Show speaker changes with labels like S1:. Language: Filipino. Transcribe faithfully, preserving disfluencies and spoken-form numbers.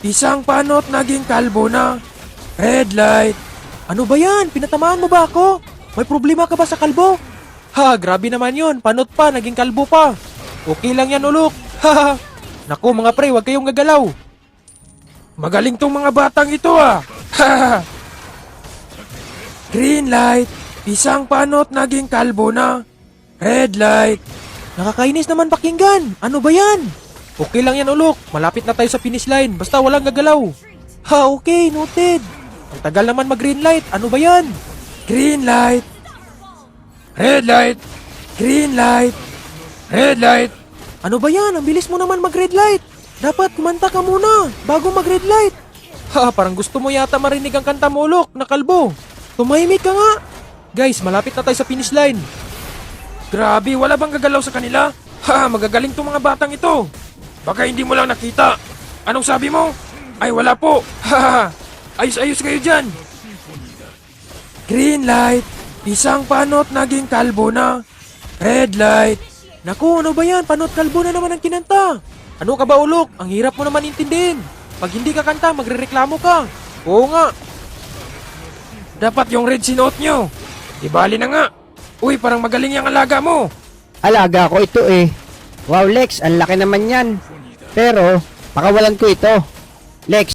S1: Isang panot naging kalbo na. Red light.
S2: Ano ba yan? Pinatamaan mo ba ako? May problema ka ba sa kalbo? Ha, grabe naman yun. Panot pa, naging kalbo pa. Okay lang yan, ulok. Ha, naku mga pre, huwag kayong gagalaw.
S1: Magaling tong mga batang ito ah. Green light. Isang panot naging kalbo na. Red light.
S2: Nakakainis naman pakinggan. Ano ba yan? Okay lang yan, ulok. Malapit na tayo sa finish line. Basta walang gagalaw. Ha, okay, noted. Ang tagal naman mag-green light. Ano ba yan?
S1: Green light. Red light. Green light. Red light.
S2: Ano ba yan? Ang bilis mo naman mag-red light. Dapat kumanta ka muna bago mag-red light. Ha, parang gusto mo yata marinig ang kanta mo, ulok, na kalbo. Tumahimik ka nga. Guys, malapit na tayo sa finish line.
S1: Grabe, wala bang gagalaw sa kanila? Ha, magagaling tong mga batang ito. Baka hindi mo lang nakita. Anong sabi mo? Ay, wala po. Ha, ayos-ayos kayo dyan. Green light. Isang panot naging kalbo na. Red light.
S2: Naku, ano ba yan? Panot kalbo na naman ang kinanta. Ano ka ba, ulok? Ang hirap mo naman intindihin. Pag hindi ka kanta, magrereklamo ka. Oo nga.
S1: Dapat yung red sinuot nyo. Di bali na nga. Uy, parang magaling yung alaga mo.
S3: Alaga ko ito eh. Wow Lex, ang laki naman yan. Pero, pakawalan ko ito. Lex,